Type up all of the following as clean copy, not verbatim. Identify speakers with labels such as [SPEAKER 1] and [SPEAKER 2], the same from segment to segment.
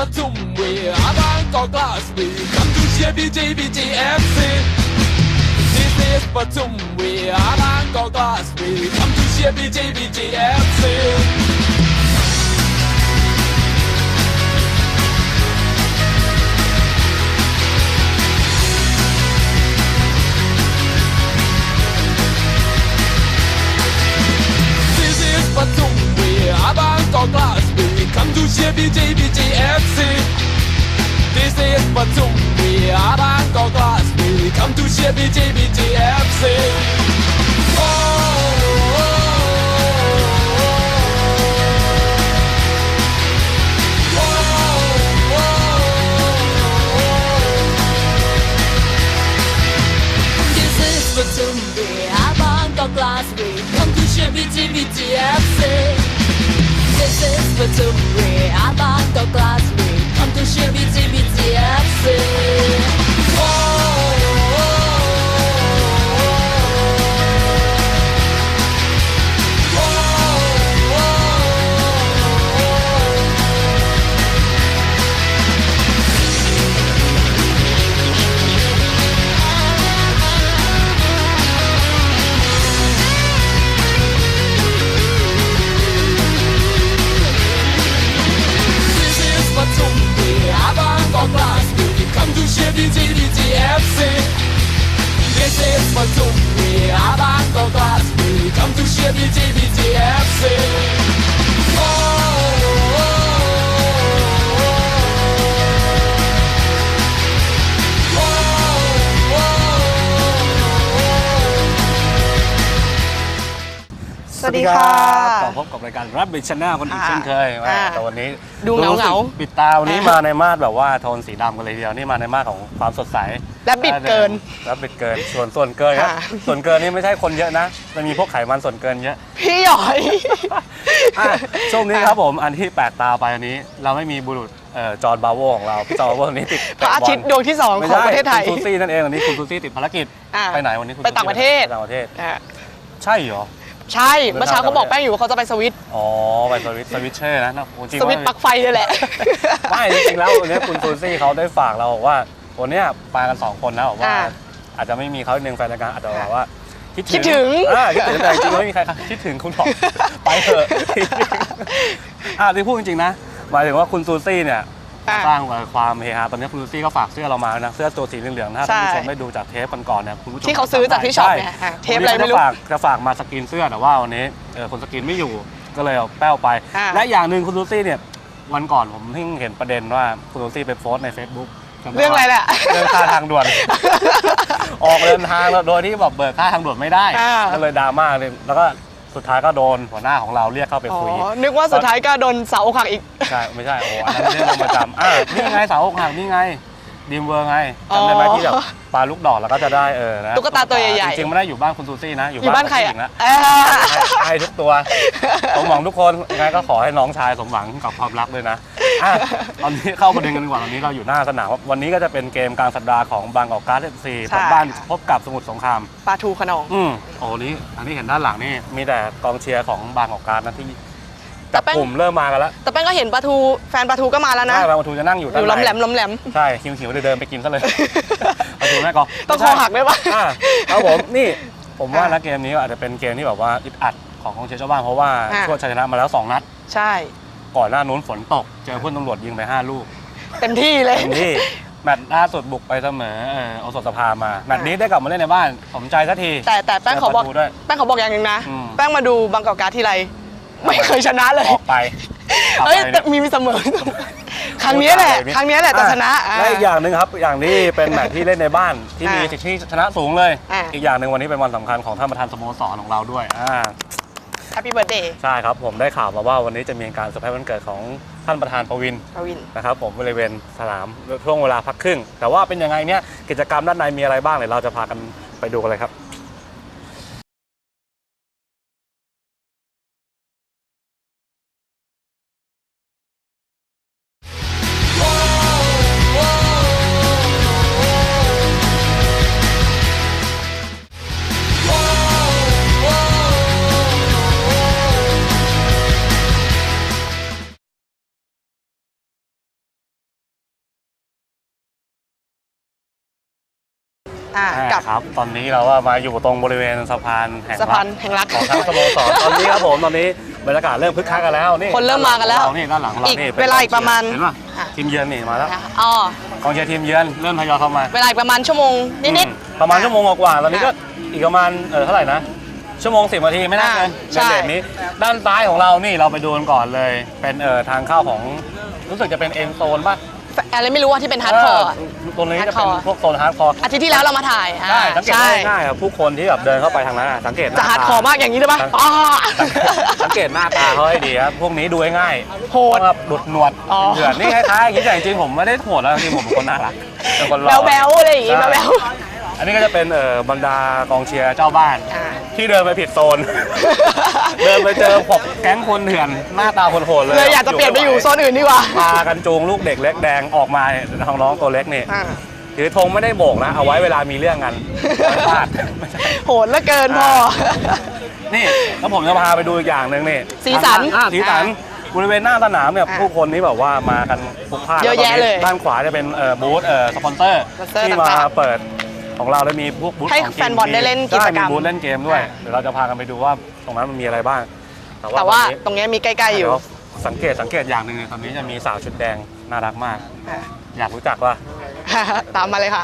[SPEAKER 1] Batum, we are Bangkok Glass, we come to share BJBJFC. This is Batum, we are Bangkok Glass, we come to share BJBJFC. Batum, we are Bangkok Glass, we come to share BJBJFC. This is Batum, we are Bangkok Glass, we come to share BJBJFC. Oh, This is Batum, we are Bangkok Glass, we come to share BJBJFC. This is Batum, we are Bangkok Glass, we come to share BJBJFC. BJBJFC. This is Batum, we are Bangkok Glass, we come to share BJBJFC.
[SPEAKER 2] สวัสดีค่ะ
[SPEAKER 3] กลับพบกับรายการ Rabbit Channel คนอีกเช่นเคยแต่วันนี้
[SPEAKER 2] ดูเหงา
[SPEAKER 3] ปิดตาวันนี้มาในมาดแบบว่าโทนสีดำกันเลยทีเดียวนี่มาในมาดของความสดใส
[SPEAKER 2] Rabbit เกิน
[SPEAKER 3] Rabbit เกินส่วนเกินครับส่วนเกินนี่ไม่ใช่คนเยอะนะมันมีพวกไขมันส่วนเกินเยอะ
[SPEAKER 2] พี่หยอย
[SPEAKER 3] ช่วงนี้ครับผมอันที่แปลกตาไปอันนี้เราไม่มีบุรุษจอห์นบาโวของเราพี่จอห์นบาโวนี้ติด
[SPEAKER 2] พระอาทิตย์ดวงที่2ของประเทศไทย
[SPEAKER 3] คุณซูซี่นั่นเองวันนี้คุณซูซี่ติดภารกิจไปไหนวันนี้
[SPEAKER 2] ไปต่างประเทศ
[SPEAKER 3] ใช่เหรอ
[SPEAKER 2] ใช่เมื่อเช้าเขาบอกแป้งอยู่ว่าเขาจะไปสวิต
[SPEAKER 3] อ๋อไปสวิตเชอร์นะ
[SPEAKER 2] สวิตปลั๊กไฟเลยแหละ
[SPEAKER 3] ไม่จริงๆแล้ววันนี้คุณซูซี่เขาได้ฝากเราบอกว่าวันนี้ไปกัน2คนนะบอกว่าอาจจะไม่มีเขาหนึ่งแฟนรายการอาจจะบอกว่า
[SPEAKER 2] คิดถึง
[SPEAKER 3] แต่จริงๆไม่มีใครคิดถึงคุณบอกไปเถอะที่พูดจริงๆนะหมายถึงว่าคุณซูซี่เนี่ยสร้างความเฮฮาตอนนี้คุณซูซี่ก็ฝากเสื้อเรามานะเสื้อตัวสีเหลืองๆนะท่านผู้ชมได้ดูจากเทปก่อนๆเนี่ยคุณผู้ชม
[SPEAKER 2] ที่เขาซื้อจากที่ช็อปเนี่ยเทปอะไรไม่รู้
[SPEAKER 3] จะฝากมาสกรีนเสื้อแต่ว่าวันนี้คนสกรีนไม่อยู่ก็เลยเอาแป้วไปและอย่างหนึ่งคุณซูซี่เนี่ยวันก่อนผมเพิ่งเห็นประเด็นว่าคุณซูซี่ไปโพสใน Facebook
[SPEAKER 2] เรื่องอะไรแหละ
[SPEAKER 3] เรื่องค่าทางด่วนออกเดินทางโดยที่แบบเบิกค่าทางด่วนไม่ได้ก็เลยดราม่าเลยแล้วก็สุดท้ายก็โดนหัวหน้าของเราเรียกเข้าไปคุย
[SPEAKER 2] นึกว่าสุดท้ายก็โดนสาวอกหักอีก
[SPEAKER 3] ใช่ไม่ใช่โอ้อันนั้นเรื่องประจำนี่ไงสาวอกหักนี่ไงดีมเวอร์ไงจำได้ไหมที่แบบปลาลูกดอกแล้วก็จะได้นะ
[SPEAKER 2] ตุ๊กตาตัวใหญ่
[SPEAKER 3] ๆจริงๆไม่ได้อยู่บ้านคุณซูซี่นะ
[SPEAKER 2] อยู่บ้านใครอ่ะ
[SPEAKER 3] ให้ทุกตัวสมหวังทุกคนยังไงก็ขอให้น้องชายสมหวังกับความรักด้วยนะตอนนี้เข้าประเด็นกันดีกว่าตอนนี้เราอยู่หน้าสนามวันนี้ก็จะเป็นเกมกลางสัปดาห์ของบางกอกการ์ดFCบ้านพบกับสมุทรสงคราม
[SPEAKER 2] ปาทูขนอง
[SPEAKER 3] โอ้นี้อันนี้เห็นด้านหลังนี่มีแต่กองเชียร์ของบางกอกการ์ดนะที่จับกลุ่มเริ่มมากันแล้ว
[SPEAKER 2] แต่แป้งก็เห็นปาทูแฟนปาทูก็มาแล้วนะ
[SPEAKER 3] ใช่ปาทูจะนั่งอยู่ด้าน
[SPEAKER 2] หลังล้มแหลม
[SPEAKER 3] ใช่หิวเดินไปกินซะเลยปาทูแม่กอ
[SPEAKER 2] ต้องคอหักได้ปะ
[SPEAKER 3] ครับผมนี่ผมว่านะเกมนี้อาจจะเป็นเกมที่แบบว่าอึดอัดของกองเชียร์ชาวบ้านเพราะว่าช่วยชัยชนะมาแล้ว2 นัด
[SPEAKER 2] ใช่
[SPEAKER 3] ก่อนหน้านู้นฝนตกเจอเพื่อนตำรวจยิงไป5 ลูก
[SPEAKER 2] เต็มที่เลย
[SPEAKER 3] เต็มที่แมตช์ล่าสุดบุกไปเสมอเอาสดสภามาแมตช์นี้ได้กลับมาเล่นในบ้านสมใจสักที
[SPEAKER 2] แต่แป้งเขาบอกอย่างหนึ่งนะแป้งมาดูบางกอกการ์ดทีไรไม่เคยชนะเลย
[SPEAKER 3] ออกไป
[SPEAKER 2] แต่มีเสมอครั้งนี้แหละจะชนะ
[SPEAKER 3] และอีกอย่างหนึ่งครับอย่างนี้เป็นแมตช์ที่เล่นในบ้านที่มีสิทธิ์ชนะสูงเลยอีกอย่างหนึ่งวันนี้เป็นวันสำคัญของท่านประธานสโมสรของเราด้วย
[SPEAKER 2] Happy Birthday
[SPEAKER 3] ใช่ครับผมได้ข่าวมาว่าวันนี้จะมีการเซอร์ไพรส์วันเกิดของท่านประธานประวินนะครับผมบริเวณสนามช่วงเวลาพักครึ่งแต่ว่าเป็นยังไงเนี่ยกิจกรรมด้านในมีอะไรบ้างเดี๋ยวเราจะพากันไปดูกันเลยครับ
[SPEAKER 2] กับ
[SPEAKER 3] ครับตอนนี้เราก็มาอยู่ตรงบริเวณสะพานแห่ง
[SPEAKER 2] สะพานแห่งรัก
[SPEAKER 3] ของทั้งสโมสรตอนนี้ครับผมตอนนี้บรรยากาศเริ่มคึกคักกันแล้วนี่
[SPEAKER 2] คนเริ่มมากันแล้ว
[SPEAKER 3] นี่ด้านหลังเรา
[SPEAKER 2] อีก
[SPEAKER 3] นี่
[SPEAKER 2] เวลาอีกประมาณ
[SPEAKER 3] เห็นป่ะ
[SPEAKER 2] อ่ะ
[SPEAKER 3] ทีมเยือนนี่มาแล้ว
[SPEAKER 2] อ๋อก
[SPEAKER 3] องเชียร์ทีมเยือนเริ่มทยอยเข้ามา
[SPEAKER 2] เวลาอีกประมาณชั่วโมงนิด
[SPEAKER 3] ประมาณชั่วโมงกว่าๆตอนนี้ก็อีกประมาณเท่าไหร่นะชั่วโมง10 นาทีไม่น่าเกิน
[SPEAKER 2] ใช่
[SPEAKER 3] ในเดทนี้ด้านซ้ายของเรานี่เราไปดูกันก่อนเลยเป็นทางเข้าของรู้สึกจะเป็นเอ็นโซนป่ะ
[SPEAKER 2] อะไรไม่รู้ว่าที่เป็นฮาร์ดคอร์
[SPEAKER 3] ตรงนี้จะเป็น
[SPEAKER 2] hardcore
[SPEAKER 3] พวกโซนฮาร์ดคอร์
[SPEAKER 2] อาทิตย์ที่แล้วเรามาถ่าย
[SPEAKER 3] ใช่สังเกต
[SPEAKER 2] ใช่
[SPEAKER 3] ได้ง่ายครับผู้คนที่แบบเดินเข้าไปทางนั้นสังเกตหน้
[SPEAKER 2] จะฮาร์ดคอร์มากอย่างนี้ได้ปะอ๋อ
[SPEAKER 3] สังเกตหน้าตาเขาให้ดีครับพวกนี้ดูง่าย
[SPEAKER 2] โหด
[SPEAKER 3] แบบดุดหนวด
[SPEAKER 2] อ๋อ
[SPEAKER 3] เหยื่อนี่คล้ายๆอย่างนี้แต่จริงๆผมไม่ได้โหดแล้วจริงๆผมเป็นคนน่ารักเป็นคนหล่อ
[SPEAKER 2] แบ๊วๆอะไรอย่างงี้
[SPEAKER 3] ใช่
[SPEAKER 2] แบ๊ว
[SPEAKER 3] อันนี้ก็จะเป็นบรรดากองเชียร์เจ้าบ้าน
[SPEAKER 2] อ่า
[SPEAKER 3] ที่เดินไปผิดโซน เดินไปเจอพวกแก๊งคนเถื่อนหน้าตาโหดๆเลย
[SPEAKER 2] เลยอยากจะเปลี่ยนไปอยู่โซนอื่นดีกว่า
[SPEAKER 3] พากันจูงลูกเด็กเล็กแดงออกมาเนี่ยน้องๆตัวเล็กนี่
[SPEAKER 2] อ่า
[SPEAKER 3] ถือธงไม่ได้โบกนะเอาไว้เวลามีเรื่องกันไม่พลาด
[SPEAKER 2] โหดเหลือเกินพ่อ
[SPEAKER 3] นี่แล้วผมจะพาไปดูอีกอย่างหนึ่งนี่
[SPEAKER 2] สีสัน
[SPEAKER 3] สีสันบริเวณหน้าสนามเนี่ย
[SPEAKER 2] อ่า
[SPEAKER 3] ผู้คนนี่แบบว่ามากันพลุกพล่าน
[SPEAKER 2] เยอะแยะเลย
[SPEAKER 3] ด้านขวาจะเป็นบูธสปอนเซอร์
[SPEAKER 2] สปอนเซอร์
[SPEAKER 3] ที่มา
[SPEAKER 2] ต่างๆ
[SPEAKER 3] เปิดของเราแล้วมีพวกบูธ
[SPEAKER 2] ให้
[SPEAKER 3] ของ
[SPEAKER 2] แฟนบอลได้เล่นกิจกรรม
[SPEAKER 3] มีบูธเล่นเกมด้วย
[SPEAKER 2] อ่า
[SPEAKER 3] เดี๋ยวเราจะพากันไปดูว่าตรงนั้นมันมีอะไรบ้าง
[SPEAKER 2] แต่ว่า
[SPEAKER 3] ตอนนี้
[SPEAKER 2] ตรงเนี้ยมีใกล้ๆอยู่
[SPEAKER 3] เดี๋วสังเกตอย่างหนึ่งเนี่ยตอนนี้จะมีสาวชุดแดงน่ารักมาก
[SPEAKER 2] อ่ะ
[SPEAKER 3] อยากรู้จักว่า
[SPEAKER 2] ตามมาเลยค่ะ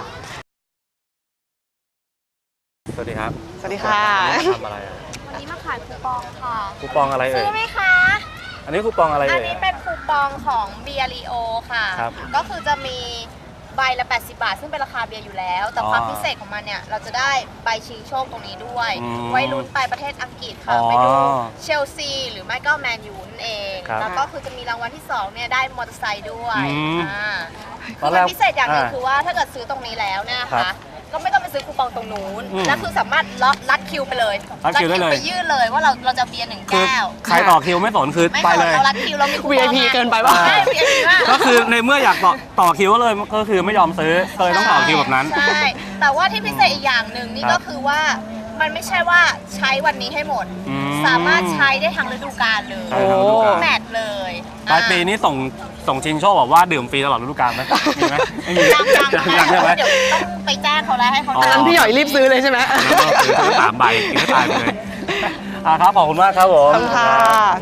[SPEAKER 3] สวัสดีครับ
[SPEAKER 2] สวัสดีค่ะ
[SPEAKER 3] ทำอะไรอ่ะ
[SPEAKER 4] อันนี้มาขายคูปองค่ะ
[SPEAKER 3] คูปองอะไรเอ่
[SPEAKER 4] ซื้
[SPEAKER 3] ย
[SPEAKER 4] อไหมคะ
[SPEAKER 3] อันนี้คูปองอะไร
[SPEAKER 4] อัน
[SPEAKER 3] เอ่ย
[SPEAKER 4] นี้เป็นคูปองของเบียร์ลีโอค่ะ
[SPEAKER 3] ครับ
[SPEAKER 4] ก็คือจะมีใบละ 80 บาท ซึ่งเป็นราคาเบียร์อยู่แล้ว แต่
[SPEAKER 3] อ๋อ
[SPEAKER 4] ความพิเศษของมันเนี่ย เราจะได้ใบชิงโชคตรงนี้ด้วย
[SPEAKER 3] อืม
[SPEAKER 4] ไว้ลุ้นไปประเทศอังกฤษค่ะ
[SPEAKER 3] อ๋อ
[SPEAKER 4] ไปดูเชลซีหรือไม่ก็แมนยูนั่นเอง
[SPEAKER 3] ครับ
[SPEAKER 4] แล้วก็คือจะมีรางวัลที่ 2 เนี่ย ได้มอเตอร์ไซค์ด้วย
[SPEAKER 3] อืม ต
[SPEAKER 4] คือ
[SPEAKER 3] อนแร
[SPEAKER 4] มั
[SPEAKER 3] ก
[SPEAKER 4] นพิเศษอย่างหนึงคือว่าถ้าเกิดซื้อตรงนี้แล้วเนี่ย
[SPEAKER 3] ครั
[SPEAKER 4] ค่ะ
[SPEAKER 3] บ
[SPEAKER 4] ก็ไม่ต้องไปซื้อคูปองตรงนู้น
[SPEAKER 3] อืม
[SPEAKER 4] แล้วคือสามารถลัดคิวไปเลย
[SPEAKER 3] รัดคิวได้เลย
[SPEAKER 4] ไปยื่นเลยว่าเราจะเบียร์หนึ่ง
[SPEAKER 3] คือ
[SPEAKER 4] แก้ว
[SPEAKER 3] ใครต่อคิวไม่สนคือ
[SPEAKER 4] ไม่
[SPEAKER 3] ไป
[SPEAKER 4] สน
[SPEAKER 3] เลย
[SPEAKER 4] เรารัดคิวเรามีคูปอง
[SPEAKER 2] VIP เกินไปปะ
[SPEAKER 4] ใช่ VIP มาก
[SPEAKER 3] ก็คือในเมื่ออยากต่อคิวเลยก็คือไม่ยอมซื้อก็เลยต้องต่อคิวแบบนั้น
[SPEAKER 4] ใช่แต่ว่าที่พิเศษอีกอย่างหนึ่งนี่
[SPEAKER 3] ครั
[SPEAKER 4] ก็
[SPEAKER 3] บ
[SPEAKER 4] คือว่ามันไม่ใช่ว่าใช้วันนี้ให้หมด
[SPEAKER 3] อืม
[SPEAKER 4] สามารถใช้ได้ทั้งฤดูกาลเลย
[SPEAKER 3] ใช่ครับฤดูกาล
[SPEAKER 4] แมทเลย
[SPEAKER 3] ปลายปีนี้ส่งชิงโชคบอกว่าดื่มฟรีตลอดฤดูกาลไหมมีไหมไม่มี
[SPEAKER 4] ยัง
[SPEAKER 3] ยังใช่ไหม
[SPEAKER 4] เดี๋ยวต้องไปแจ้งเขาแล้วให้เขา
[SPEAKER 3] อ๋อ
[SPEAKER 2] อันพี่หย่อยรีบซื้อเลยใช่ไหม
[SPEAKER 3] แล้วก็ซื้อ3 ใบกินให้ตายไปเลยครับขอบคุณมากครับผม
[SPEAKER 2] ขอบคุณค่ะ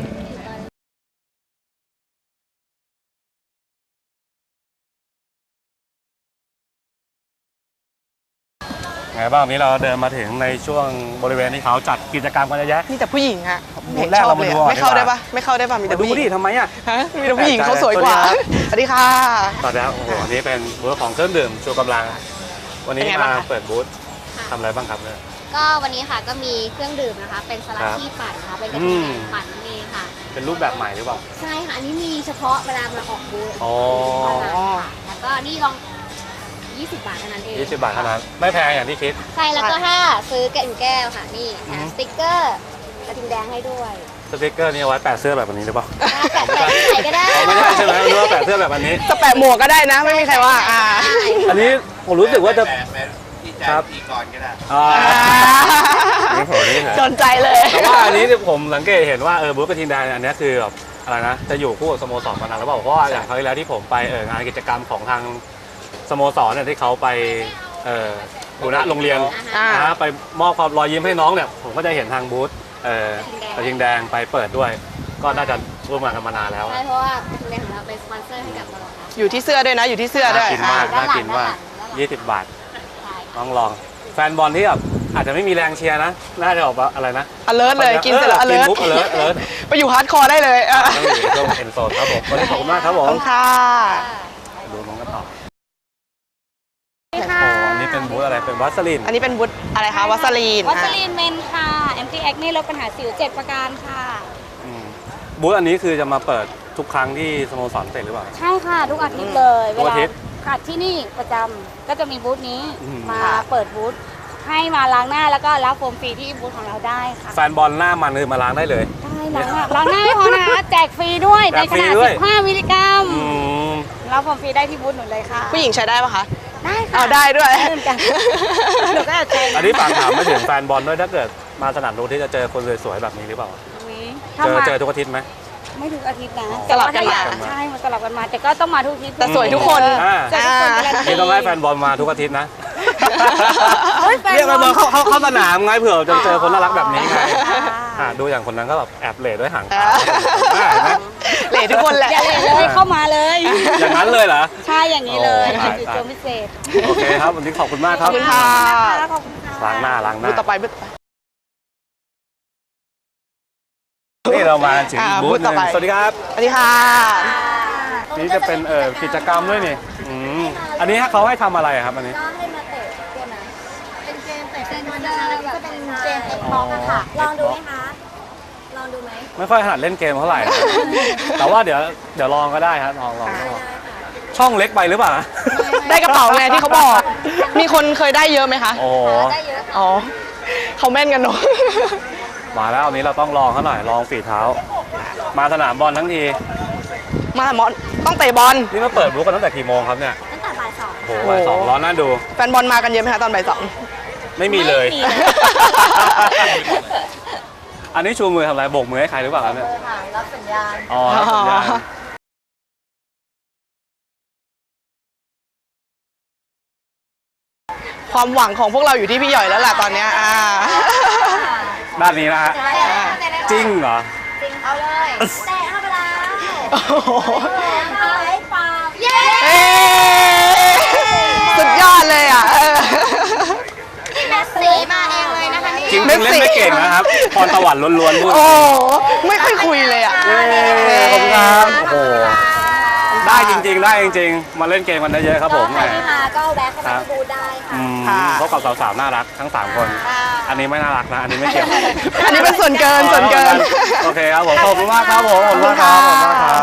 [SPEAKER 3] ไงบ้างวันนี้เราเดินมาถึงในช่วงบริเวณที่เขาจัดกิจกรรมกันเยอะแยะ
[SPEAKER 2] มีแต่ผู้หญิงฮะ
[SPEAKER 3] บูธแรกเรามาดูก่อน
[SPEAKER 2] ไม่เข้า
[SPEAKER 3] ดี
[SPEAKER 2] ได้
[SPEAKER 3] กว่า
[SPEAKER 2] ปะไม่เข้าได้ปะมีแต่
[SPEAKER 3] ดู
[SPEAKER 2] ผู้หญิ
[SPEAKER 3] ดิ
[SPEAKER 2] ง
[SPEAKER 3] ทำไมอ่ะ
[SPEAKER 2] ฮะมีแต่ผู้หญิงเขาสวยกว่า สวัสดีค่ะ
[SPEAKER 3] ตอนนี้โอ้โหอันนี้เป็นบูธของเครื่องดื่มชูกำลัง วันนี้
[SPEAKER 2] เป็นไงบ้าง
[SPEAKER 3] มา
[SPEAKER 2] คะ
[SPEAKER 3] เปิดบูธทำอะไรบ้างครับเนี่ย
[SPEAKER 4] ก็วันนี้ค่ะก็มีเครื่องดื่มนะคะ เป็นสลัด
[SPEAKER 3] ครับ
[SPEAKER 4] ที่ปั่นนะคะเป็นกะ
[SPEAKER 3] อื
[SPEAKER 4] ทิ
[SPEAKER 3] ม
[SPEAKER 4] แดงปั่นนั่นเองค่ะ
[SPEAKER 3] เป็นรูปแบบใหม่หรือเปล่า
[SPEAKER 4] ใช่ค่ะ อันนี้มีเฉพาะเวลามาออกบูธ
[SPEAKER 3] อ๋อ
[SPEAKER 4] เท่านั้นค่ะแล้วก็นี่ลอง 20 บาทเท่านั้นเอง
[SPEAKER 3] 20 บาทเท่านั้นไม่แพงอย่างที่คิด
[SPEAKER 4] ใช่แล้วก็ถ้าซื้อแก้วแก้วค่ะ นี่
[SPEAKER 3] อืม
[SPEAKER 4] สติ๊กเกอร์กระทิงแดงให้ด้วย
[SPEAKER 3] สติ๊กเกอร์นี่เอาไว้แปะเสื้อแบบนี้หรือเปล่า
[SPEAKER 4] แปะที่ไหนก็ได้
[SPEAKER 3] อ๋อไม่ใช่ใช่ไหมนึกว่าแปะเสื้อแบบอันนี้
[SPEAKER 2] จะแปะหมวกก็ได้นะ ไม่มีใครว่าอ่า
[SPEAKER 3] อันนี้ผมรู้สึกว่าจะครับอ่านี่ผมนี่
[SPEAKER 2] สนใจเลย
[SPEAKER 3] แต่ว่าอันนี้เนี่ยผมสังเกตเห็นว่าบูธกระทิงแดงอันนี้คือแบบอะไรนะจะอยู่คู่กับสโมสรมานานแล้วเปล่าเพราะว่าอย่างคราวที่แล้วที่ผมไปงานกิจกรรมของทางสโมสรเนี่ยที่เขาไปบูรณะโรงเรียน
[SPEAKER 2] อ่า
[SPEAKER 3] ไปมอบความรอยยิ้มให้น้องเนี่ยผมก็จะเห็นทางบูธกระทิงแดงไปเปิดด้วย ก็น่าจะร่วมงานกันมานานแล้ว
[SPEAKER 4] ใช่เพราะว่ากระทิงแดงของเราเป็นสปอนเซอร์ให้กับเราค่ะ
[SPEAKER 2] อยู่ที่เสื้อด้วยนะ อยู่ที่เสื้อด้วย
[SPEAKER 3] น่ากินมาก
[SPEAKER 4] ด้านหลัง
[SPEAKER 3] น่ากินมาก
[SPEAKER 4] ด้านหลัง
[SPEAKER 3] 20 บาท
[SPEAKER 4] ใช่
[SPEAKER 3] ต้องลองแฟนบอลที่แบบอาจจะไม่มีแรงเชียร์นะ น่าจะออกมาอะไรนะ
[SPEAKER 2] alert เลย กินเสร็จแล้ว
[SPEAKER 3] กิน
[SPEAKER 2] alert
[SPEAKER 3] ปุ๊บ alert
[SPEAKER 2] ไปอยู่ฮาร์ดคอร์ได้เลยอ่ะ
[SPEAKER 3] ต้องอยู่ในช่วงเอ็นโซนครับผมวันนี้ขอบคุณมากครับผ
[SPEAKER 2] ขอบ
[SPEAKER 3] ม
[SPEAKER 2] คุณค่ะ
[SPEAKER 3] ดูน้องกันต่อ
[SPEAKER 4] นี่
[SPEAKER 3] โอ้
[SPEAKER 4] ค่ะ
[SPEAKER 3] โหอันนี้เป็นบูธอะไรเป็นวัสลิน
[SPEAKER 2] อันนี้เป็นบุตอะไรคะ วัสลีน
[SPEAKER 5] วัสลีนเมนค่ะ Anti Acne ลดปัญหาสิว 7 ประการค่ะ
[SPEAKER 3] อืมบูธอันนี้คือจะมาเปิดทุกครั้งที่สโมสรเตะหรือเปล่า
[SPEAKER 5] ใช่ค่ะ ทุกอาทิตย์เลย
[SPEAKER 3] ทุกอาทิตย์
[SPEAKER 5] ค่ะที่นี่ประจำก็จะมีบูธนี้
[SPEAKER 3] อืม
[SPEAKER 5] มาเปิดบูธให้มาล้างหน้าแล้วก็รับโฟมฟรีที่บูธของเราได้ค่ะ
[SPEAKER 3] แฟนบอลหน้ามันคือมาล้างได้เลย
[SPEAKER 5] ได้ล้างหน้าไม่พอนะคะ แจกฟรีด้วย
[SPEAKER 3] แจ
[SPEAKER 5] ใน
[SPEAKER 3] ก
[SPEAKER 5] ข
[SPEAKER 3] ฟรี
[SPEAKER 5] นาด
[SPEAKER 3] ด้วย
[SPEAKER 5] 15 มิลลิกรัม
[SPEAKER 3] อืม
[SPEAKER 5] รับโฟมฟรีได้ที่บูธหนูเลยค่ะ
[SPEAKER 2] ผู้หญิงใช้ได้ปะคะ
[SPEAKER 5] ได้ค่ะ
[SPEAKER 2] เอาได้ด้วย
[SPEAKER 5] เหมือนกันหนูก็แอบใจ
[SPEAKER 3] อันนี้ฝากถามไปถึงแฟนบอลด้วยถ้าเกิดมาสนามดูที่จะเจอคนสวยๆแบบนี้หรือเปล่า
[SPEAKER 5] ถ้ามา
[SPEAKER 3] เจอทุกอาทิตย์ไหม
[SPEAKER 5] ไม่ถึงอาทิตย์นะ
[SPEAKER 2] สลับกันมา
[SPEAKER 5] ใช่มันสลับกันมา แต่ก็ต้องมาทุกอาทิตย์
[SPEAKER 2] แต่สวยทุกคน
[SPEAKER 3] อ่า
[SPEAKER 5] สวยทุกคนการันตี
[SPEAKER 3] นี่ต้องให้แฟนบอลมาทุกอาทิตย์นะเรียกไปเบอร์เข้าสนามไงเผื่อจะเจอคนน่ารักแบบนี้ไงดูอย่างคนนั้นก็แบบแอบเหล่ด้วยหางตาเห็นไหม
[SPEAKER 2] เหล่ทุกคนแหละ
[SPEAKER 5] อย่าเลยเลยเข้ามาเลย
[SPEAKER 3] อย่างนั้นเลยเหรอ
[SPEAKER 5] ใช่อย่างนี้เลย
[SPEAKER 3] โอ้
[SPEAKER 5] จุดโจมพิเศษ
[SPEAKER 3] โอเคครับวันนี้ขอบคุณมากค
[SPEAKER 2] ข
[SPEAKER 3] รั
[SPEAKER 2] อ
[SPEAKER 3] บบ
[SPEAKER 2] คุณค่ะ
[SPEAKER 5] ขอบคุณค่ะ
[SPEAKER 3] ล้างหน้า
[SPEAKER 2] บูธต่อไปบูธต่อไป
[SPEAKER 3] นี่เรามาถึง
[SPEAKER 2] อ่า
[SPEAKER 3] บูธห
[SPEAKER 2] บูธต่
[SPEAKER 3] นึ่
[SPEAKER 2] อง ไป
[SPEAKER 3] สวัสดีครับ
[SPEAKER 2] สวัสดีค่ะ
[SPEAKER 3] นี่จะเป็นกิจกรรมด้วยนี่อันนี้เขาให้ทำอะไรครับอันนี้
[SPEAKER 4] ก็ให้มาเตะตัวไหนเป็นเกมเตะเป็นวันแบบจะเป็นเกมเตะบอลอะค่ะ ลองดูไหมคะ ลองดูไหม
[SPEAKER 3] ไม่ค่อยถนัดเล่นเกมเท่าไหร่นะแต่ว่าเดี๋ยวลองก็ได้ครับลองช่องเล็กไปหรือเปล่า
[SPEAKER 2] ได้กระเป๋าไงที่เขาบอก มีคนเคยได้เยอะไหมคะ
[SPEAKER 3] โอ้โห
[SPEAKER 4] ได้เยอะ
[SPEAKER 2] อ๋อเขาแม่นกันเนอะ
[SPEAKER 3] มาแล้ววันนี้เราต้องลองเขาหน่อยลองฝีเท้า มาสนามบอลทั้งที
[SPEAKER 2] มาหมอนต้องเตะบอล
[SPEAKER 3] นี่มาเปิดบูธกันตั้งแต่กี่โมงครับเนี่ย
[SPEAKER 4] ตั้งแต่บ่ายสอง
[SPEAKER 3] โอ้โหบ่ายสองร้อนน่าดู
[SPEAKER 2] แฟนบอลมากันเยอะไหมคะตอนบ่ายสอง
[SPEAKER 3] ไม่มีเลย
[SPEAKER 5] ไม่มี
[SPEAKER 3] อันนี้ชูมือทำอะไรโบกมือให้ใครหรือเปล่าครับเนี่ย
[SPEAKER 4] ค่ะรับสัญญาณ
[SPEAKER 3] อ๋อรับสัญญาณ
[SPEAKER 2] ความหวังของพวกเราอยู่ที่พี่หย่อยแล้วล่ะตอนเนี้ย
[SPEAKER 3] ด้านนี้นะฮะ
[SPEAKER 4] ใช่ค่ะเตะได้
[SPEAKER 3] จริงเหรอ
[SPEAKER 4] จริงเอาเลยเตะเข้าไปแล้ว
[SPEAKER 2] โอ้โห
[SPEAKER 4] เอาไว้ปาเย้
[SPEAKER 2] เอ้สุดยอดเลยอ่ะ
[SPEAKER 4] นี่แมสซี่มาเองเลยนะคะนี่
[SPEAKER 3] จริงๆเล่นไม่เก่งนะครับพรสวรรค์ล้วนๆพูด
[SPEAKER 2] โอ้ไม่ค่อยคุยเลยอ่ะ
[SPEAKER 3] เย้ขอบคุณครับโอ้โหได้จริงๆได้จริงๆมาเล่นเกมกันเยอะๆครับผม
[SPEAKER 4] ใครที่มาก็แวะเข้ามาดูได้ค่ะ
[SPEAKER 3] พบกับสาวๆน่ารักทั้ง3คน อันนี้ไม่น่ารักนะอันนี้ไม่เกี่ยว
[SPEAKER 2] อันนี้เป็นส่วนเกินส่วนเกิน
[SPEAKER 3] โอเคครับผมขอบคุณมากครับผมขอบคุณมากครับขอบคุณมากครับ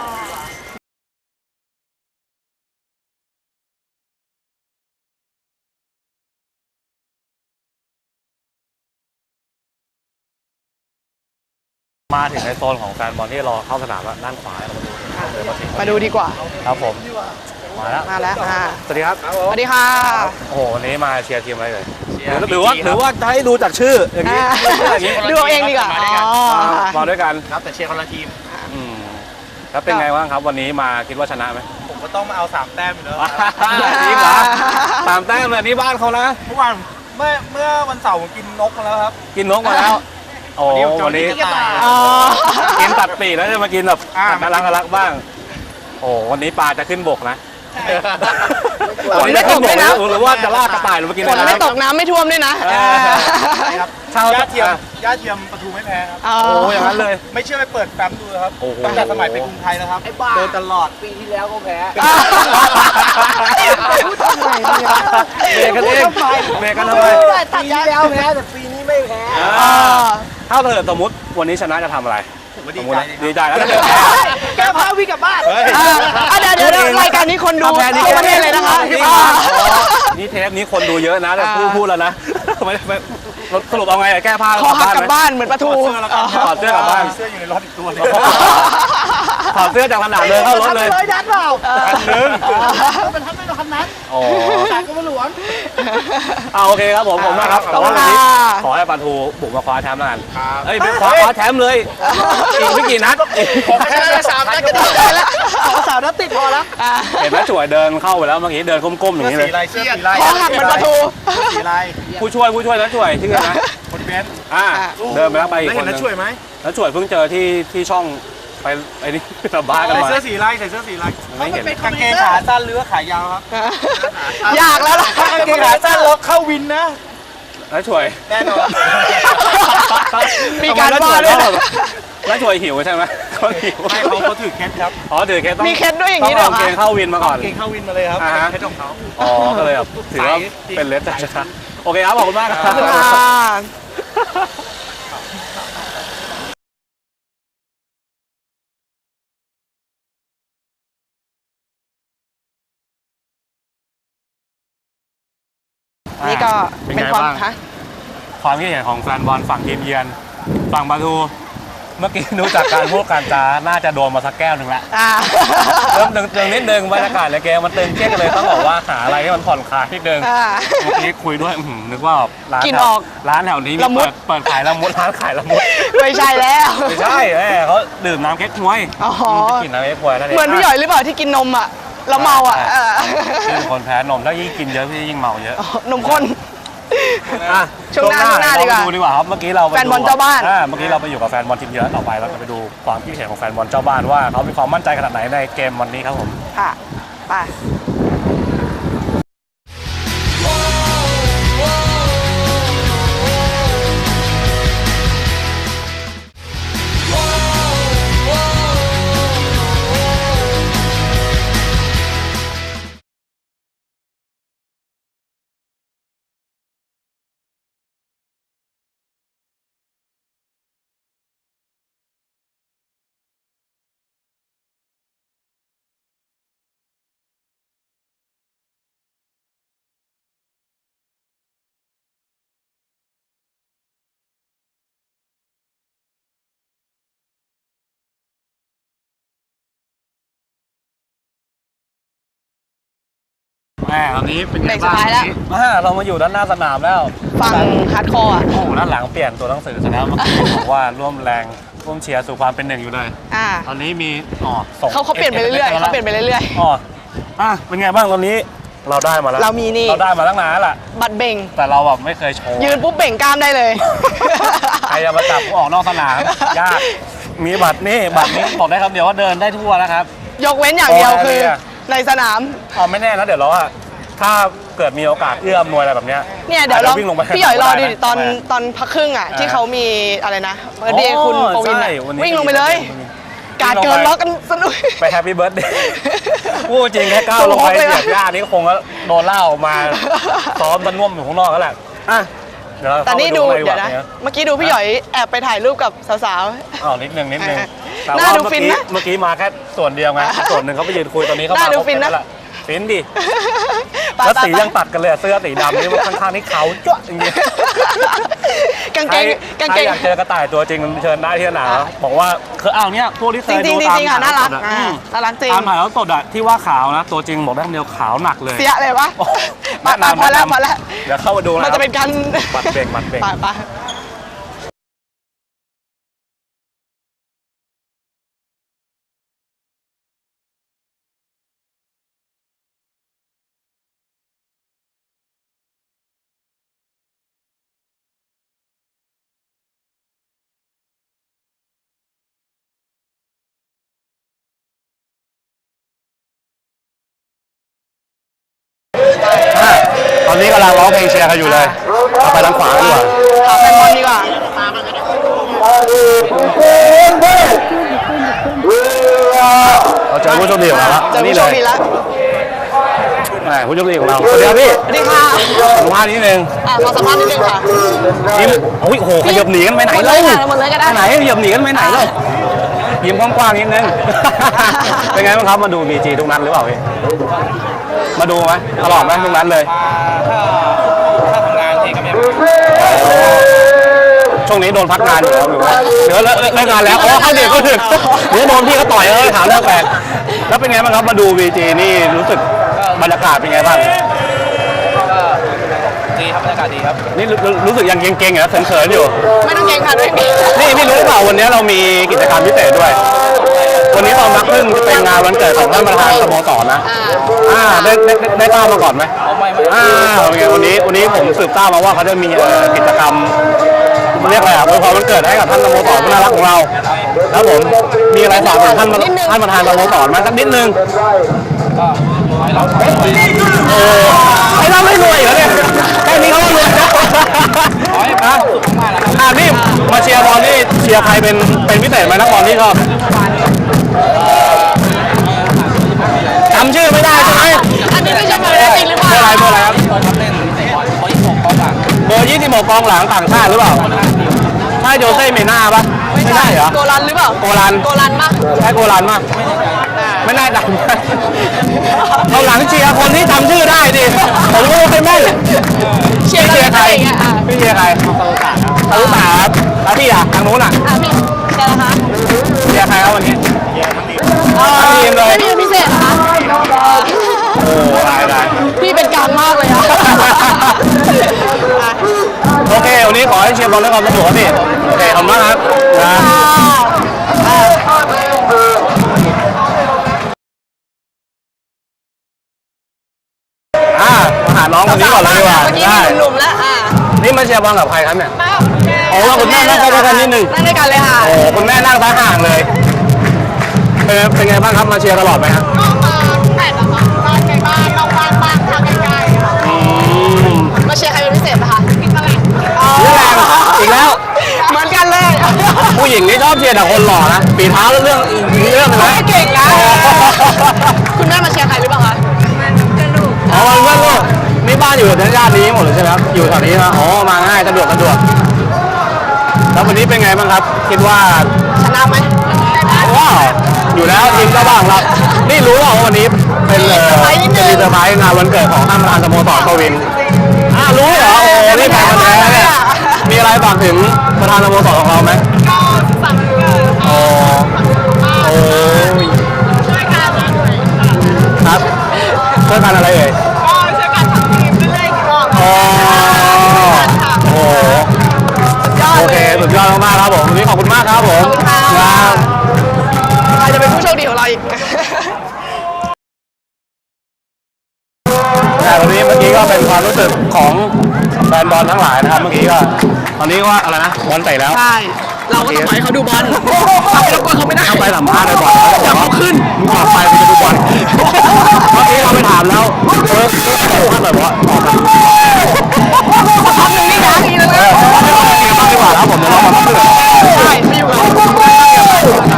[SPEAKER 3] มาถึงในโซนของแฟนบอลที่รอเข้าสนามแล้วด้านขวาเรามาดู
[SPEAKER 2] มาดูดีกว่า
[SPEAKER 3] ครับผมมาแล้ว
[SPEAKER 2] มาแล้วค่ะ
[SPEAKER 3] สวัสดีครับ
[SPEAKER 2] สวัสดีค่ะ
[SPEAKER 3] โอ้โหวันนี้มาเชียร์ทีมอะไรเลยหรือว่าจะให้ดูจากชื่ออย่างนี้อย่างนี้
[SPEAKER 2] ดูเอาเองดีกว่าอ๋อ
[SPEAKER 3] มาด้วยกัน
[SPEAKER 6] ครับแต่เชียร์คนละทีม
[SPEAKER 3] อืมแล้วเป็นไงบ้างครับวันนี้มาคิดว่าชนะไหม
[SPEAKER 6] ผมก็ต้องมาเอา3 แต้มอยู่แล้ว
[SPEAKER 3] จริงเหรอ3 แต้มเลยนี่บ้านเขานะ
[SPEAKER 6] เมื่อวานเมื่อวันเสาร์ผมกินนกมาแล้วครับ
[SPEAKER 3] กินนกมาแล้วโอ้วันนี้
[SPEAKER 6] กระต่าย
[SPEAKER 2] อ๋อ
[SPEAKER 3] กินตัดปีกแล้วจะมากินแบบน่ารักบ้าง โอ้วันนี้ปลาจะขึ้นบกนะ
[SPEAKER 2] ฝนไม่ตกด้วยนะ
[SPEAKER 3] หรือว่าจะลากกระต่ายลงมากิน
[SPEAKER 2] ฝนไม่ตกน้ำไม่ท่วมด้วยนะ
[SPEAKER 3] ครับเช่า
[SPEAKER 6] ย่าเทียมประตูไม่แพ้ครับ
[SPEAKER 2] อ๋อ
[SPEAKER 3] โอ้อย่างนั้นเลย
[SPEAKER 6] ไม่เชื่อไปเปิดแฟ้มดูนะครับ
[SPEAKER 3] โอ้โห
[SPEAKER 6] ตั้งแต่สมัยไปกรุงไทยแล้วครับโดนตลอดปีที่แล้วก็แพ้
[SPEAKER 3] เบรกกันเองเบรกกันทำไม
[SPEAKER 6] ปีที่แล้วแพ้แต่ปีนี้ไม่แพ้
[SPEAKER 3] ถ้าเกิดสมมติวันนี้ชนะจะทำอะไร
[SPEAKER 6] ผมก็
[SPEAKER 3] ส
[SPEAKER 6] ดี
[SPEAKER 3] มมติ
[SPEAKER 6] ใจ
[SPEAKER 3] นะดีใจแล้วถ้าเกิดแพ้
[SPEAKER 6] แก้ผ้าวิ่งกลับบ้าน
[SPEAKER 3] เฮ้ย
[SPEAKER 2] เดี๋ยวรายการนี้คนดู
[SPEAKER 3] ถ้าแพ้นี่
[SPEAKER 2] ทั่วประเทศเลยนะคะ
[SPEAKER 3] นี่เทปนี้คนดูเยอะนะแต่พูดแล้วนะไม่สรุปเอาไงแก้ผ้า
[SPEAKER 2] ขอหักกลับบ้านเหมือนปลาทู
[SPEAKER 3] ถอดเสื้อกลับบ้าน
[SPEAKER 6] เสื้ออยู่ในรถอีกตัวนึง
[SPEAKER 3] ถอดเสื้อจากสนามเลยเข้ารถเลย
[SPEAKER 6] ดันเปล่า
[SPEAKER 3] อันนึง
[SPEAKER 6] เป็นทันไม่โดนทันนั้น
[SPEAKER 3] โอ้
[SPEAKER 6] จากกรมหลวง
[SPEAKER 3] โอเคครับผมมากครับแต่ว่าวันนี้ขอให้ปาทูบุกมาคว้าแชมป์แล้วกันเอ้ยคว้าแชมป์เลยอีกไม่กี่นัด
[SPEAKER 6] ผมแค่3 นัดก็ดีใจแล้ว3 นัดติดพอแล้ว
[SPEAKER 3] เห็นไหมจ่วยเดินเข้าไปแล้วเมื่อกี้เดินก้มๆอย่างนี้เลย
[SPEAKER 6] เสื้อสีลาย
[SPEAKER 2] ขอหักเหมือนปลาทู
[SPEAKER 6] สีลาย
[SPEAKER 3] ผู้ช่วยแล้วจ่วยชื่ออะไรนะ
[SPEAKER 6] คนเบน
[SPEAKER 3] เดินไปแล้วไปอีก
[SPEAKER 6] แล้ว
[SPEAKER 3] ค
[SPEAKER 6] เห็
[SPEAKER 3] น
[SPEAKER 6] น
[SPEAKER 3] นึ
[SPEAKER 6] แล้ว
[SPEAKER 3] ง
[SPEAKER 6] ช่วยไหม
[SPEAKER 3] แล้วจ่วยเพิ่งเจอที่ช่องไปไอ้นี่สัมภาษณ์กัน
[SPEAKER 6] ใส่
[SPEAKER 3] มา
[SPEAKER 6] เสื้อสีลายใส่เสื้อสีลาย
[SPEAKER 3] ไม่เห็น
[SPEAKER 6] กางเกงขาสั้นหรือว่าขายาวครับ
[SPEAKER 2] อยากแล้วล่ะ
[SPEAKER 6] ถ้ากางเกงขาสั้นแล้วเข้าวินนะ
[SPEAKER 3] แล้วจ่วย
[SPEAKER 6] แน่นอน
[SPEAKER 2] มีการว่าด้วยนะ
[SPEAKER 3] แล้วจ่วยหิวใช่ไหมเขาหิว
[SPEAKER 6] ให้เขาถือเคสครับ
[SPEAKER 3] อ๋อถือเคสต้อง
[SPEAKER 2] มีเคสด้วยอย่างนี้
[SPEAKER 3] นี้
[SPEAKER 2] ด้วยเหรอ
[SPEAKER 3] เก
[SPEAKER 2] คะ
[SPEAKER 3] งเข้าวินมาก่อน
[SPEAKER 6] เกงเข้าวินมาเลยครับ
[SPEAKER 3] อ่าฮะ
[SPEAKER 6] เคสของเขา
[SPEAKER 3] อ๋อก็เลยแบบถือว่าเป็นเลสแต่ชนะโอเคครับขอบคุณมากครับ
[SPEAKER 2] ขอบคุณค่ะ นี่ก็เป็นความคะ
[SPEAKER 3] ความคิดเห็นของแฟนบอลฝั่งทีมเยือนฝั่งปาทูเมื่อกี้ดูจากการพูดการจาน่าจะโดนมาสักแก้วหนึ่งละเริ่มตึงนิดนึงบรรยากาศในเกมมันตึงเครียดกันเลยต้องบอกว่าหาอะไรให้มันผ่อนคลายนิดนึงเมื่อกี้คุยด้วยนึกว่าร้าน
[SPEAKER 2] กินออก
[SPEAKER 3] ร้านแถวนี้มี
[SPEAKER 2] ละมุด
[SPEAKER 3] เปิดขายละมุดร้านขายละมุด
[SPEAKER 2] ไม่ใช่แล้ว
[SPEAKER 3] ไม่ใช่เขาดื่มน้ำเก๊กฮวย
[SPEAKER 2] อ๋อ
[SPEAKER 3] กินน้ำเก๊กฮวยนั่นเอง
[SPEAKER 2] เหมือนพี่หย่อยหรือเปล่าที่กินนมอ่ะแล้วเมาอ่ะ
[SPEAKER 3] พี่เป็นคนแพ้นมถ้ายิ่งกินเยอะพี่ยิ่งเมาเยอะ
[SPEAKER 2] นมข้น
[SPEAKER 3] อ่ะ
[SPEAKER 2] ช่วงหน้าดีกว่า
[SPEAKER 3] ดูดีกว่าครับเมื่อกี้เรา
[SPEAKER 2] แฟนบอลเจ้าบ้าน
[SPEAKER 3] เมื่อกี้เราไปอยู่กับแฟนบอลทีมเยือนต่อไปเราจะไปดูความคิดเห็นของแฟนบอลเจ้าบ้านว่าเขามีความมั่นใจขนาดไหนในเกมวันนี้ครับผม
[SPEAKER 2] ค่ะไป
[SPEAKER 3] ตอนนี้เป็นไง
[SPEAKER 2] เบรกสุ
[SPEAKER 3] บ้า
[SPEAKER 2] ด
[SPEAKER 3] ง
[SPEAKER 2] ท้ายแล้ว
[SPEAKER 3] เรามาอยู่ด้านหน้าสนามแล้ว
[SPEAKER 2] ฟังฮาร์ดคอร์อ่ะ
[SPEAKER 3] โอ้โหด้านหลังเปลี่ยนตัวหนังสือซะแล้วเมื่อกี้บอกว่าร่วมแรงร่วมเชียร์สู่ความเป็นหนึ่งอยู่เลย ตอนนี้มีส่ง
[SPEAKER 2] เขาเปลี่ยนไปเรื่อยๆเขาเปลี่ยนไปเรื่อย
[SPEAKER 3] เป็นไงบ้างตอนนี้เราได้มาแล้ว
[SPEAKER 2] เรามีนี่
[SPEAKER 3] เราได้มาตั้งนานแล้วล่ะ
[SPEAKER 2] ๆ บัตรเบ่ง
[SPEAKER 3] แต่เราแบบไม่เคยโชว์
[SPEAKER 2] ยืนปุ๊บเบ่งกล้ามได้เลย
[SPEAKER 3] ใครจะมาจับกูออกนอกสนามยากมีบัตรนี่บอกได้ครับเดี๋ยวว่าเดินได้ทั่วนะครับ
[SPEAKER 2] ยกเว้นอย่างเดียวคือในสนาม
[SPEAKER 3] ไม่แน่นะเดี๋ยวเราถ้าเกิดมีโอกาสเอื้ออำนวยอะไรแบบเนี้ย
[SPEAKER 2] เนี่ยเดี๋ยวเรา
[SPEAKER 3] วิ่งลงไป
[SPEAKER 2] พี่หยอยรอดูดิ
[SPEAKER 3] ได้นะ
[SPEAKER 2] ตอนพักครึ่งอ่ะที่เขามีอะไรนะเบอร์เดย์คุณปวิน
[SPEAKER 3] ใช่
[SPEAKER 2] อะ
[SPEAKER 3] วันนี้
[SPEAKER 2] วิ่งลงไปเลย การเกินล็อกกันสนุก
[SPEAKER 3] ไปแฮปปี้เบิร์ดเดย์พูดจริงแค่ก้าวลงไปเหยียบหญ้านี่ก็คงก็โดนล่าออกมาซ้อมตะน่วมอยู่ข้างนอกแล้วแหละเดี๋ยวเรา
[SPEAKER 2] แต่
[SPEAKER 3] เข้าไป
[SPEAKER 2] นี่
[SPEAKER 3] ดู
[SPEAKER 2] ดู
[SPEAKER 3] ในดีก
[SPEAKER 2] เดี๋ยว
[SPEAKER 3] ว่า
[SPEAKER 2] นะ
[SPEAKER 3] เนี่ย
[SPEAKER 2] เมื่อกี้ดูพี่หยอยแอบไปถ่ายรูปกับสาว
[SPEAKER 3] นิดนึงแต่
[SPEAKER 2] น่า
[SPEAKER 3] ว่า
[SPEAKER 2] ดูฟินนะ
[SPEAKER 3] เมื่อกี้มาแค่ส่วนเดียวไงส่วนหนึ่งเขาไปยืนคุยตอนนี้เขามา
[SPEAKER 2] น่าดู
[SPEAKER 3] ครบ
[SPEAKER 2] ฟินนะ
[SPEAKER 3] แล้วล่ะฟินดิ
[SPEAKER 2] ๆ
[SPEAKER 3] แล้วสียังตัดกันเลยเสื้อสีดำนี่ข้างๆนี่ขาวจ้วะจริง
[SPEAKER 2] กาง
[SPEAKER 3] ๆ
[SPEAKER 2] เกงกาง
[SPEAKER 3] ใค
[SPEAKER 2] เก
[SPEAKER 3] รง อยากเจอกระต่ายตัวจริงเชิญได้ที่สนามบอกว่าคือเนี่ยพวกที่เค
[SPEAKER 2] จ
[SPEAKER 3] ย
[SPEAKER 2] ริง
[SPEAKER 3] ดู
[SPEAKER 2] ๆจ
[SPEAKER 3] ตาม
[SPEAKER 2] ริงๆอ่ะน่ารักน่ารักจริง
[SPEAKER 3] ตามถ่ายแล้วสดที่ว่าขาวนะตัวจริงบอกได้คำเดียวขาวหนักเลย
[SPEAKER 2] เสียเลยวะ
[SPEAKER 3] โอ้
[SPEAKER 2] มา
[SPEAKER 3] แนะนำ
[SPEAKER 2] พอแล้ว
[SPEAKER 3] แนะนำ
[SPEAKER 2] พอแล้ว
[SPEAKER 3] เดี๋ยวเข้ามาดูนะ
[SPEAKER 2] มันจะเป็นการ
[SPEAKER 3] บัตรเบรก
[SPEAKER 2] ไป
[SPEAKER 3] ตอนนี้กำลังร้องเพลงเชียร์กันอยู่เลยเราไปทางขวาดีกว่า
[SPEAKER 2] หาแฟนบอลดีกว่า
[SPEAKER 3] เราเจอผู้โชคดีของเราแล้ว
[SPEAKER 2] เจอผู้โชคดีแล้ว
[SPEAKER 3] ผู้โชคดีของเราสวัสดีครับพี่
[SPEAKER 2] สวัสดีค่ะ
[SPEAKER 3] สัมภาษณ์นิดนึง
[SPEAKER 2] ขอสัมภาษณ์นิดนึงค่ะ
[SPEAKER 3] นี่โอ้โหขยับหนีกันไปไหน
[SPEAKER 2] หมดเล
[SPEAKER 3] เล่าย
[SPEAKER 2] ค่ะหมดเลยก็ได้
[SPEAKER 3] ไปไหนขยับหนีกันไปไหนเล่ายิ้มกว้างๆนิดนึง เป็นไงบ้างครับมาดู BG ทุกนัดหรือเปล่าพี่มาดูไหมตลอดไหมทุกนัดเลยถ้าทำงานทีก็ไม่ช่วงนี้โดนพักงานอยู่แล้วหรือว่าเดี๋ยวเลิกงานแล้วเข้าเด็กก็ถึงเดี๋ยวโดนพี่ก็ต่อยถามเรื่องแปลกแล้วเป็นไงบ้างครับมาดู BG นี่รู้สึกบรรยากาศเป็นไงบ้างดีครับบรรยากาศดีครับนี่รู้สึกยังเก่งๆเหรอเขินๆอยู่
[SPEAKER 2] ไม่ต้องเกรงค่ะด้วย
[SPEAKER 3] นี่พี่รู้หรือเปล่าวันนี้เรามีกิจกรรมพิเศษด้วย วันนี้ตอนพักครึ่งจะเป็นงานวันเกิดของท่านประธานสโมสรนะได้ทราบมาก่อนไหมไม่วันนี้ผมสืบทราบมาว่าเขาจะมีกิจกรรมเรียกอะไรอวยพรวันเกิดให้กับท่านสโมสรผู้น่ารักของเราแล้วผมมีอะไรฝากถึงท่านประธานสโมสรมาสักนิดนึงให้เราไม่รวยเหรอเนี่ยแค่นี้เขาก็รวยแล้วนี่มาเชียร์บอลนี่เชียร์ใครเป็นพิเศษไหมนักบอลที่ชอบจำชื่อไม่ได้ใช่ไหม
[SPEAKER 2] อันนี้ไม่ใช่เบอร์จริงหรือเปล่า
[SPEAKER 3] เบอร์อะไรครับเบอร์26กองหลังต่างชาติหรือเปล่าใช่โจเซ่เมน่าปะไม่ใช่เหรอ
[SPEAKER 2] โกลันหรือเปล่า
[SPEAKER 3] โกลัน
[SPEAKER 2] ปะ
[SPEAKER 3] ใช่โกลันปะไม่น่าจำเราหลังเชียร์คนที่จำชื่อได้ดิผมก็ไม่แม่น
[SPEAKER 2] เชียร์ใคร
[SPEAKER 3] พี่เชียร์ใครตาลุตาครับแล้วพี่อ่ะทางนู้นอ่ะ
[SPEAKER 2] พี่เชียร์นะคะ
[SPEAKER 3] เชียร์ใครครับวันนี้ทั้งทีมเลย
[SPEAKER 2] ไม่มีพิเศษนะคะ
[SPEAKER 3] โอ้ได้
[SPEAKER 2] พี่เป็นกลางมากเลยอะ
[SPEAKER 3] โอเควันนี้ขอให้เชียร์บอลด้วยความสนุกครับพี่โอเคขอบคุณมากครับน้องคนนี้ก่อนเลยดีกว่า
[SPEAKER 2] เมื่อกี้
[SPEAKER 3] ได้
[SPEAKER 2] มีหนุ่มๆแล้ว
[SPEAKER 3] นี่มาเชียร์บอลกับใครครับเนี่ยโอ้คุณแม่นั่งใกล้ๆกันนิดนึง
[SPEAKER 2] นั่งด้วยกันเลยค่ะ
[SPEAKER 3] โอ้คุณแม่นั่งท้ายห่างเลยเป็นไงบ้างครับมาเชียร์ตลอดไหมครับ
[SPEAKER 4] ก็มาแต่ละบ้านในบ้านนอกบ้านบ้างทางไกลๆค่ะ
[SPEAKER 2] มาเชียร์ใครเป็นพิเศษไหมคะ
[SPEAKER 4] กินตลาด
[SPEAKER 3] เรื่องแรงอีกแล้ว
[SPEAKER 2] เหมือนกันเลย
[SPEAKER 3] ผู้หญิงนี่ชอบเชียร์แต่คนหล่อนะปีเท้าแล้วเรื่องอีกเรื่องนึงนะ
[SPEAKER 2] เก่งนะคุณแม่มาเชียร์ใครหรือเปล่าคะ
[SPEAKER 3] อ๋อมันเพื่อนลูกนี่บ้านอยู่ในย่านนี้หมดเลยใช่ไหมครับอยู่แถวนี้นะอ๋อมาง่ายสะดวกแล้ววันนี้เป็นไงบ้างครับคิดว่า
[SPEAKER 2] ชนะไหม
[SPEAKER 3] ว้าวอยู่แล้วทีมเจ้าบ้านครับนี่รู้ว่าวันนี้เป็นจะมีเซอร์ไพรส์งานวันเกิดของท่านประธานสโมสรปวินรู้เหรอโอ้นี่แฟนกันแท้เนี่ยมีอะไรฝากถึงประธานสโมสรของเราไหม
[SPEAKER 4] ก็สั่งเกิด
[SPEAKER 3] โอ้โอ้
[SPEAKER 4] ช่วยกันนะหน่อย
[SPEAKER 3] ครับช่วยกันอะไรเอ่ย
[SPEAKER 4] ก็ช่วยกันทำทีมเรื่อยๆก่อน
[SPEAKER 3] อ๋อโอ้โอเคสุดยอดมากๆครับผมวันนี้ขอบคุณมากครับผมครับ
[SPEAKER 2] ใครจะเป็นผู้โชคดีของเราอีก
[SPEAKER 3] วันนี้เมื่อกี้ก็เป็นความรู้สึกของแฟนบอลทั้งหลายนะครับเมื่อกี้ก็ตอนนี้ว่าอะไรนะบอลเตะแล้ว
[SPEAKER 2] ใช่ เราก็ต้องปล่อยให้เขาดูบอลเราไปรบกวนเขาไม่ได้
[SPEAKER 3] เอาไปสัมภาษณ์เลยบอลแล้วเขาขึ้นมึงออกไปจะดูบอลเมื่อกี้เราไปถามแล้วท่านแบบว่าออกไป
[SPEAKER 2] ทำหนึ่งนี่นะทีนึงนะ
[SPEAKER 3] ไม่ต้องมาเกมบ้างดีกว่าครับผมเดี๋ยวเรามาเพื่อน
[SPEAKER 2] ใช่ไม่อยู่กับ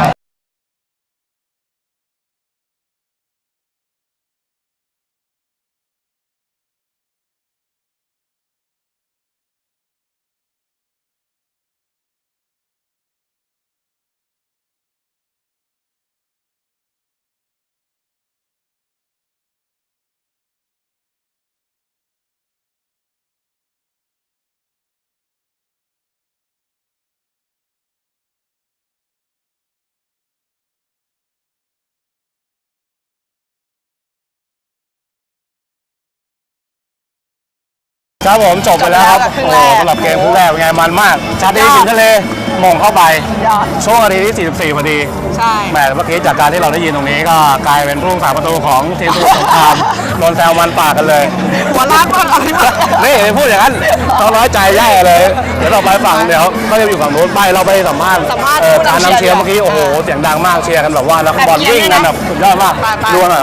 [SPEAKER 3] ครับผมจบไปแล้วครับโอ้สำหรับเกมคู่แรกเป็นไงมันมากชาติสิงห์ทะเลมงเข้าไปช่วงนาทีที่ 44 พอดี
[SPEAKER 2] ใช่
[SPEAKER 3] แหมเมื่อกี้จากการที่เราได้ยินตรงนี้ก็กลายเป็นผู้รักษาประตูของทีมสมุทรสงครามโดนแซวมันปากกันเลย
[SPEAKER 2] หัวล้านบ้างอะไรบ้าง
[SPEAKER 3] นี่พูดอย่างนั้นต้องน้อยใจแย่เลย เดี๋ยวเราไปฝั่งเดี๋ยวก็จะอยู่ฝั่งนู้นไปเราไปสัมภาษณ์การนำเชียร์เมื่อกี้โอ้โหเสียงดังมากเชียร์กันแบบว่านักบอลวิ่งกันแบบสุดยอดมากดูหน่อย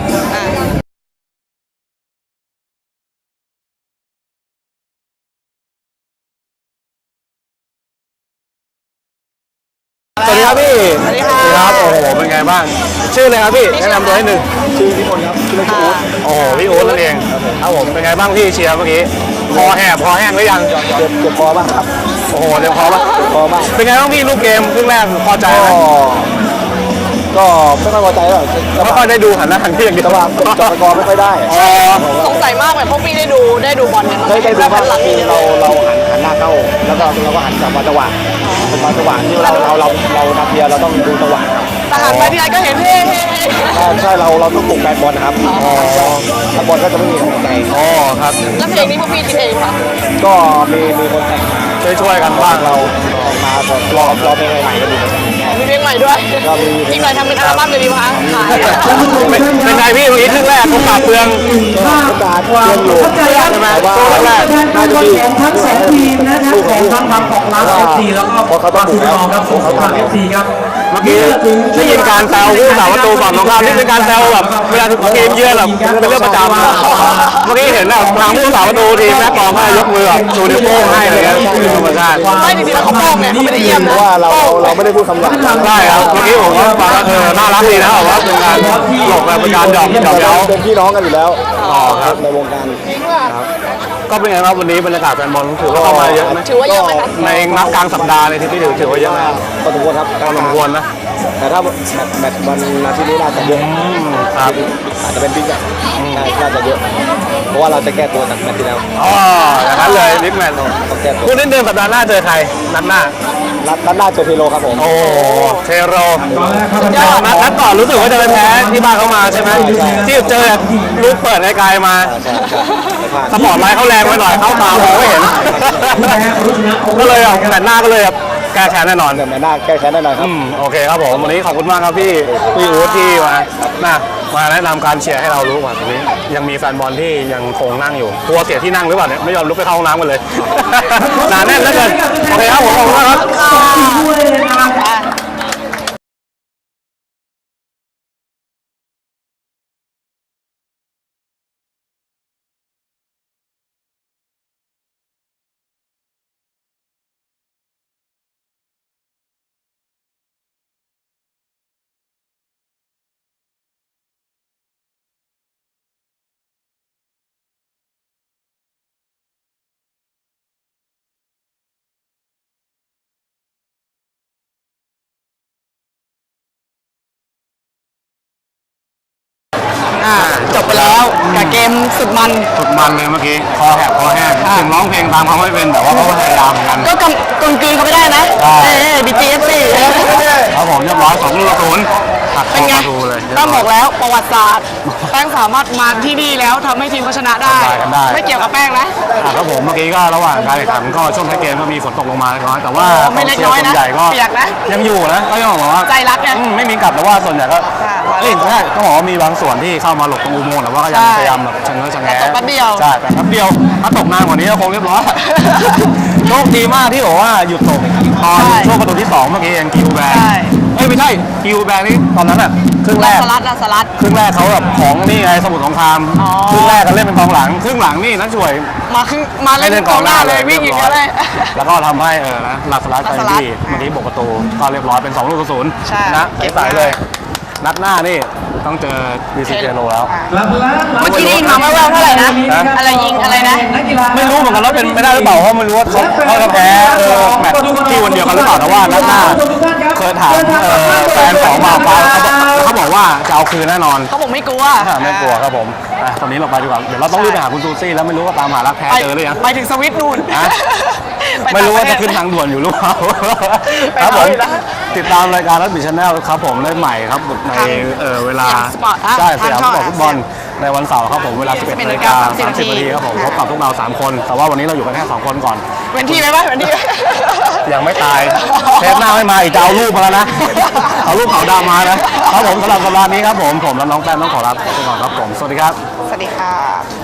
[SPEAKER 3] สวัสดีครับพี่สวัสดีครับโอ้โหเป็นไงบ้างชื่ออะไรครับพี่แนะนำตัวให้หนึ่งชื่อพี่พลครับชื่อพี่อู๊ดโอ้โหพี่อู๊ดนั่นเองครับผมเป็นไงบ้างพี่เชียร์เมื่อกี้คอแห้งหรือยังเจ็บคอบ้างครับโอ้โหเจ็บคอบ้างเป็นไงบ้างพี่ลูกเกมครึ่งแรกพอใจไหมก็ไม่ค่อยพอใจหรอกไม่ค่อยได้ดูหันหน้าหันที่อย่างเดียวว่าจอดกอไม่ค่อยได้
[SPEAKER 2] สงสัยมากเลยพวกพี่ได้ดูบอลกัน
[SPEAKER 6] ได้ดูบ้างคือเราหันหน้าเข้าแล้วก็เราก็หันจังหวะที่เรานักเรียนเราต้องดูจังหวะครับ
[SPEAKER 2] แต่หันไปที่ไรก็เห็นเฮ้
[SPEAKER 6] ใช่เราต้องปลุกแฟนบอลนะครับแฟนบอลก็จะไม่มีกำลังใจครับ
[SPEAKER 2] แล้วเพลงนี้พวกพี่คิดเองป่ะ
[SPEAKER 6] ก็มีคนแต่งมาช่วยกันบ้างเรามาบอกรอเพลงใหม่ๆก็ดี
[SPEAKER 2] มีเพลงใหม่ด้วยอีกหน่อยทำเป็นอัลบั้มเลยดีป่ะขาย
[SPEAKER 3] เป็นไงพี่เมื่อกี้ครึ่งแรกเขาปราบเปลือง
[SPEAKER 6] ตาเพื่อนอยู่ใช่ไหมว่าแรกน่าจะดีทั้ง2ทีมนะครับของทั้งของร้าน FC แล้วก็เขาต้องบุกแล้วครับของทาง FC ครับ
[SPEAKER 3] เมื่อกี้ได้ยินการแซวผู้สาประตูฝั่งตรงข้ามนี่เป็นการแซวแบบเวลาทีมเยือนแบบเป็นเรื่องประจำเมื่อกี้เห็นแบบทางผู้สาประตูทีมแม่กองให้ยกมือแบบชูนิ้วโป้งให้อะไรเงี้ยคือธรรมชาติ
[SPEAKER 2] ไม่จริงๆแล้วเขาโป้งไงเขาไม่ได้เยี่ยม
[SPEAKER 6] เพราะว่าเราไม่ได้พูดคำหยาบ
[SPEAKER 3] ใช่ครับเมื่อกี้ผมก็ฟังว่าน่ารักดีนะแบบว่าเป็นการหลอกแบบเป็นการหยอกเย้า
[SPEAKER 6] เป็นพี่น้องกันอยู่แล้วครับในวงการ
[SPEAKER 3] ก็เป็นไงครับวันนี้บรรยากาศแฟนบอลถือว่าเข้ามาเยอะไหม
[SPEAKER 2] ถือว่าเยอะไหมคะ
[SPEAKER 3] ในนัดกลางสัปดาห์เลยที่ถือว่าเยอะไหม
[SPEAKER 6] พอสมควรครับ
[SPEAKER 3] พอสมควรนะ
[SPEAKER 6] แต่ถ้าแมตช์วันอาทิตย์นี้น่าจะเยอะ
[SPEAKER 3] ครับ
[SPEAKER 6] อาจจะเป็นบิ๊กแมตช์น่าจะเยอะเพราะว่าเราจะแก้ตัวจากแมตช์ที่แล้ว
[SPEAKER 3] อ๋ออย่างนั้นเลยบิ๊กแมน
[SPEAKER 6] ต้องแก้ตัว
[SPEAKER 3] คู่นี้เดินสัปดาห์หน้าเจอใครนัดหน้า
[SPEAKER 6] นัดหน้าเจอเทโรครับผม
[SPEAKER 3] โอ้เทโรนัดก่อนรู้สึกว่าจะไปแพ้ที่บ้านเขามาใช่ไหมที่เจอลูกเปิดไกลๆมาสปอร์ตไลท์เขาแรงไปหน่อยเข้าตามองไม่เห็นก็เลยแต่หน้าก็เลยแก้แค้นแน่นอน
[SPEAKER 6] แต่แมตช์หน้าแก้แค้นแน่นอนครับ
[SPEAKER 3] โอเคครับผมวันนี้ขอบคุณมากครับพี่อู๊ดที่มามาแนะนำการเชียร์ให้เรารู้ก่อนตรงนี้ยังมีแฟนบอลที่ยังคงนั่งอยู่กลัวเสียที่นั่งหรือเปล่าเนี่ยไม่ยอมลุกไปเข้าห้องน้ำกันเลย หนาแน่นเหลือเกินโอเคครับผมขอบคุณมากครับ
[SPEAKER 2] จบไปแล้วกับเกมสุดมัน
[SPEAKER 3] สุดมันเลยเมื่อกี้คอแหบคอแห้งถึงร้องเพลงตามเขาไม่เป็นแต่ว่าเขาก็พยายามเหมือนกัน
[SPEAKER 2] ก็กลืนเขาไม่ได้นะBTFC
[SPEAKER 3] ครับผมเรียบร้อย2-0ตัด
[SPEAKER 2] เป็นไง
[SPEAKER 3] ประตูเลย
[SPEAKER 2] ต้องบอกแล้วประวัติศาสตร์แป้งสามารถมาที่นี่แล้วทำให้ทีมเขาชนะได้ ไม่เกี่ยวกับแป้งนะ
[SPEAKER 3] ครับผมเมื่อกี้ก็ระหว่างการแข่งขันก็ช่วงท้ายเกมก็มีฝนตกลงมาเล็กน้อยแต่ว่า
[SPEAKER 2] ไม่เล็กน้อยนะ
[SPEAKER 3] ส่วใหญ่ก็
[SPEAKER 2] เปียกนะ
[SPEAKER 3] ยังอยู่นะก็ยังบอกว่า
[SPEAKER 2] ใจรักไง
[SPEAKER 3] ไม่มีกลับแต่ว่าส่วนใหญ่ก็
[SPEAKER 2] ค่ะ
[SPEAKER 3] เอ้ยใช่ต้องบอกว่ามีบางส่วนที่เข้ามาหลบตรงอุโมงค์แต่ว่าก็ยังพยายามแบบชะเง้อชะแงะ
[SPEAKER 2] แต่ตกแป๊บเดียว
[SPEAKER 3] ใช่แต่แป๊บเดียวถ้าตกนานกว่านี้ก็คงเรียบร้อย โชคดีมากที่บอกว่าหยุดตกตอนช่วงประตูที่2เมื่อกี้เองคิวแบง
[SPEAKER 2] ใช่
[SPEAKER 3] เอ้ยไม่ใช่คิวแบงนี่ตอนนั้นอ่ะครึ่งแรก
[SPEAKER 2] สลัด
[SPEAKER 3] ครึ่งแรกเขาแบบของนี่ไงสมุทรสงคราม
[SPEAKER 2] อ๋อ
[SPEAKER 3] ครึ่งแรกก็เล่นเป็นกองหลังครึ่งหลังนี่นักช่วย
[SPEAKER 2] มาเล่นกองหน้าเลยวิ่งอย่างเงี้ยเลย
[SPEAKER 3] แล้วก็ทำให้นะหลักสลัด
[SPEAKER 2] หลั
[SPEAKER 3] ไป
[SPEAKER 2] กสลัด
[SPEAKER 3] ที่เมื่อกี้บกประตูก็เรียบร้อยเป็น2-0
[SPEAKER 2] ใช่
[SPEAKER 3] นะใสๆเลย นัดหน้านี่ต้องเจอบีซีเจโนแล้ว
[SPEAKER 2] เมื่อกี้ได้ยินมาแว่วๆเท่าไหร่นะ อะไรยิงอะไรนะ
[SPEAKER 3] ไม่รู้เหมือนกันว่าเป็นไม่ได้หรือเปล่าเพราะไม่รู้ว่าเขาจะแพ้แมตช์ที่วันเดียวกันหรือเปล่าแต่ว่านัดหน้าเคยถามแฟนของมาฟ้าเขาบอกว่าจะเอาคืนแน่นอน
[SPEAKER 2] เขาบอกไม่กลัว
[SPEAKER 3] ไม่กลัวครับผมตอนนี้เราไปดีกว่าเดี๋ยวเราต้องรีบไปหาคุณซูซี่แล้วไม่รู้ว่าตามหารักแท้เจอหรือยัง
[SPEAKER 2] ไปถึงสวิตนู่น
[SPEAKER 3] ไม่รู้ว่าจะขึ้นทางด่วนอยู่หรือเปล่าครับผมติดตามรายการรัฐบิชแนลครับผมได้ใหม่ครับในเวลาใช่สยามสปอร์ตฟุตบอลในวันเสาร์ครับผมเวลา 11:30 นครับผมพบกับพวกเรา3คนแต่ว่าวันนี้เราอยู่กันแค่2คนก่อน
[SPEAKER 2] เว้นที่ไหมเว้นที่
[SPEAKER 3] ยังไม่ตายเทปหน้าไม่มาอีกจะเอารูปมาแล้วนะเอารูปขาวดำมานะครับผมสำหรับสัปดาห์นี้ครับผมและน้องแป้งต้องขอลาไปก่อนครับผมสวัสดีครับ
[SPEAKER 2] สวัสดีค่ะ